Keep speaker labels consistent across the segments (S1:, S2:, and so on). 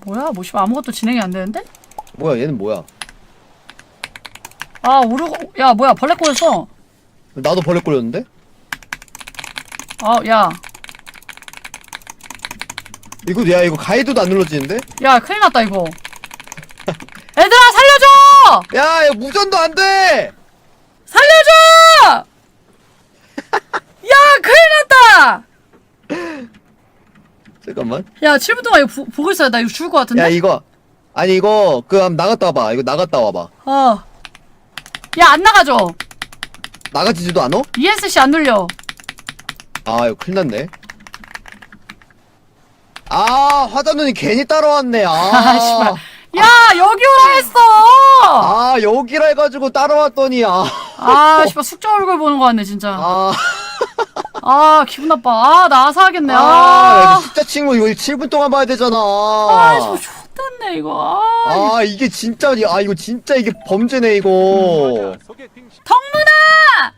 S1: 뭐야? 뭐 씨발 아무것도 진행이 안 되는데?
S2: 뭐야 얘는 뭐야?
S1: 아 오르고 야 뭐야 벌레 꼬였어.
S2: 나도 벌레 꼬였는데?
S1: 아 야.
S2: 이거 가이드도 안 눌러지는데?
S1: 야 큰일 났다 이거. 얘들아 살려줘!
S2: 야 이거 무전도 안 돼!
S1: 살려줘! 야 큰일 났다!
S2: 잠깐만.
S1: 야 7분 동안 이거 보고 있어야 나 이거 죽을 것 같은데?
S2: 야 이거 아니 이거 한번 나갔다 와봐. 이거 나갔다 와봐.
S1: 야 안 나가죠?
S2: 나가지지도 않아?
S1: ESC 안 눌려.
S2: 아 이거 큰일 났네. 아 화자눈이 괜히 따라왔네.
S1: 아 씨발. 야 여기 오라 했어!
S2: 아 여기라 해가지고 따라왔더니
S1: 아 씨발 숙자 얼굴 보는 거 같네 진짜.
S2: 아
S1: 기분 나빠. 나 아사하겠네.
S2: 야, 이거 숫자 친구 이거 7분 동안 봐야 되잖아.
S1: 씨발 X됐네 이거.
S2: 이게 진짜 이거 진짜 이게 범죄네 이거.
S1: 덕문아!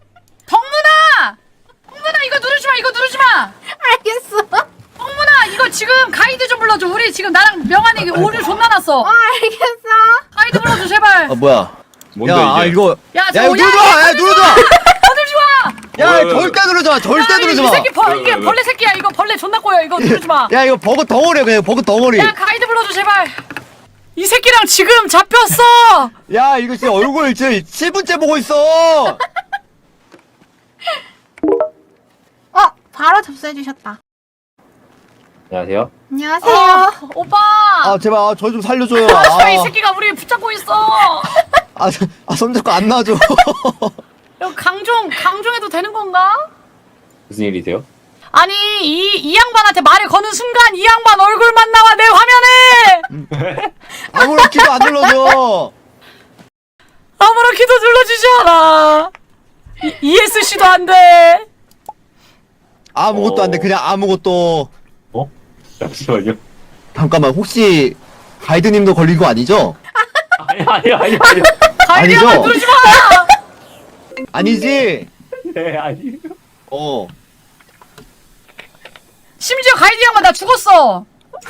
S1: 덕문아 이거 누르지 마. 이거 누르지 마.
S3: 알겠어.
S1: 덕문아 이거 지금 가이드 좀 불러줘. 우리 지금 나랑 명환이 오류 존나 났어.
S3: 알겠어.
S1: 가이드 불러줘 제발.
S2: 뭐야?
S4: 뭔데
S2: 야,
S4: 이게?
S2: 이거
S1: 야
S2: 이거 누르지 마. 야 누르지 마.
S1: 누르지 마.
S2: 야
S4: 왜?
S2: 절대 누르지 마. 절대
S1: 야,
S2: 누르지
S1: 이
S2: 마.
S1: 새끼 이게 벌레 새끼야. 이거 벌레 존나 꼬여. 이거 누르지 마.
S2: 야 이거 버그 덩어리야 그냥 버그 덩어리.
S1: 야 가이드 불러줘 제발. 이 새끼랑 지금 잡혔어.
S2: 야 이거 진짜 얼굴 지금 7분째 보고 있어.
S3: 바로 접수해주셨다.
S4: 안녕하세요.
S3: 안녕하세요.
S1: 오빠.
S2: 제발 저 좀 살려줘요.
S1: 이 새끼가 우리 붙잡고 있어.
S2: 손잡고 안 놔줘.
S1: 이거 강종해도 되는 건가?
S4: 무슨 일이세요?
S1: 아니 이 양반한테 말을 거는 순간 이 양반 얼굴만 나와 내 화면에.
S2: 아무렇게도 안 눌러줘.
S1: 아무렇게도 눌러주지 않아. ESC도 안 돼.
S2: 아무것도 안 돼. 그냥 아무것도.
S4: 잠시만요.
S2: 잠깐만 혹시 가이드님도 걸린 거 아니죠?
S4: 아니.
S1: 가이드야만
S2: 아니죠?
S1: 누르지 마.
S2: 아니지?
S4: 네, 아니.
S1: 심지어 가이드 양반 나 죽었어.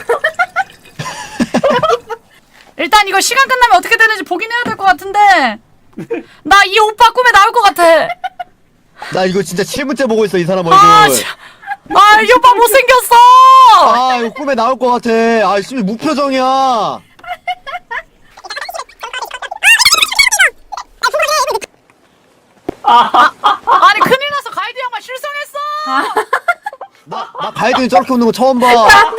S1: 일단 이거 시간 끝나면 어떻게 되는지 보긴 해야 될 것 같은데 나 이 오빠 꿈에 나올 것 같아.
S2: 나 이거 진짜 7분째 보고 있어 이 사람 얼굴.
S1: 이 오빠 못생겼어.
S2: 이거 꿈에 나올 것 같아. 지금 무표정이야.
S1: 아니 큰일 났어. 가이드 양반 실성했어.
S2: 나 가이드님 저렇게 웃는 거 처음 봐.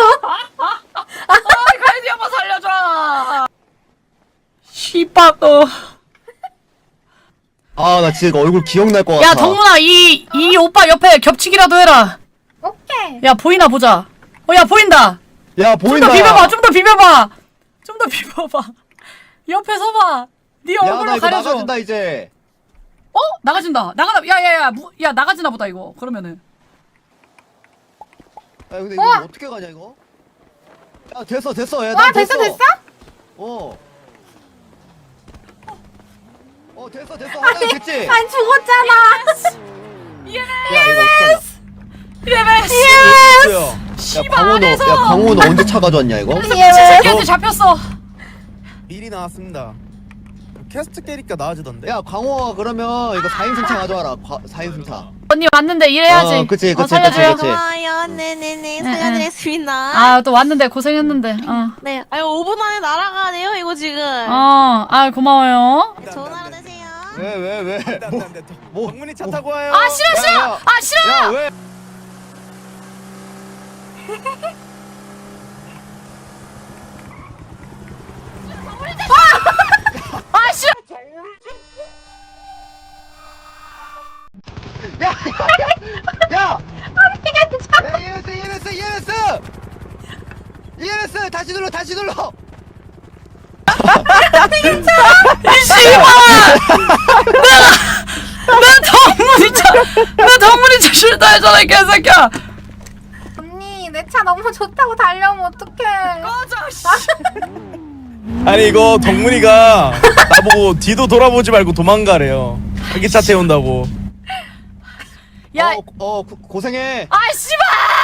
S1: 가이드 양반 살려줘. 씨발
S2: 나 진짜 얼굴 기억날 것 같아.
S1: 야 덕문아 이 오빠 옆에 겹치기라도 해라.
S3: 오케이.
S1: 야 보이나 보자. 야 보인다.
S2: 야
S1: 좀
S2: 보인다.
S1: 더 비벼봐. 좀 더 비벼봐. 좀 더 비벼봐. 옆에 서봐. 네
S2: 나
S1: 얼굴로
S2: 이거
S1: 가려줘.
S2: 나가준다 이제.
S1: 나가진다. 야야야 야 나가지나 보다 이거. 그러면은.
S2: 근데 이거 어떻게 가냐 이거? 야 됐어. 야,
S3: 와
S2: 난
S3: 됐어.
S2: 됐어. 됐어. 하나 됐지?
S3: 안 죽었잖아.
S1: 예스.
S2: 야
S1: 씨발
S2: 강원호
S1: 안에서.
S2: 강원호 언제 차 가져왔냐 이거?
S1: 미친 새끼한테 잡혔어.
S5: 미리 나왔습니다. 캐스트 깨니까 나아지던데.
S2: 야 강호가 그러면 이거 4인승차 가져와라. 4인승차.
S1: 언니 왔는데 일해야지.
S2: 그치.
S1: 살려줘요.
S3: 고마워요. 네네네. 살려드렸습니다.
S1: 또 왔는데 고생했는데.
S3: 네. 5분 안에 날아가야 돼요, 이거 지금.
S1: 고마워요.
S3: 좋은 하루 되세요.
S2: 왜?
S5: 안돼. 방문이 차 타고 와요.
S1: 싫어. 싫어.
S2: 야 왜?
S1: 싫어.
S2: 야! ENS 다시 눌러.
S1: 이 씨발. 내 덕분이 싫다 했잖아 이 개새끼야.
S3: 언니, 내 차 너무 좋다고 달려오면 어떡해.
S1: 꺼져 씨.
S5: 아니 이거 덕문이가 나보고 뒤도 돌아보지 말고 도망가래요. 자기 차 태운다고.
S1: 야.
S2: 고생해.
S1: 씨발.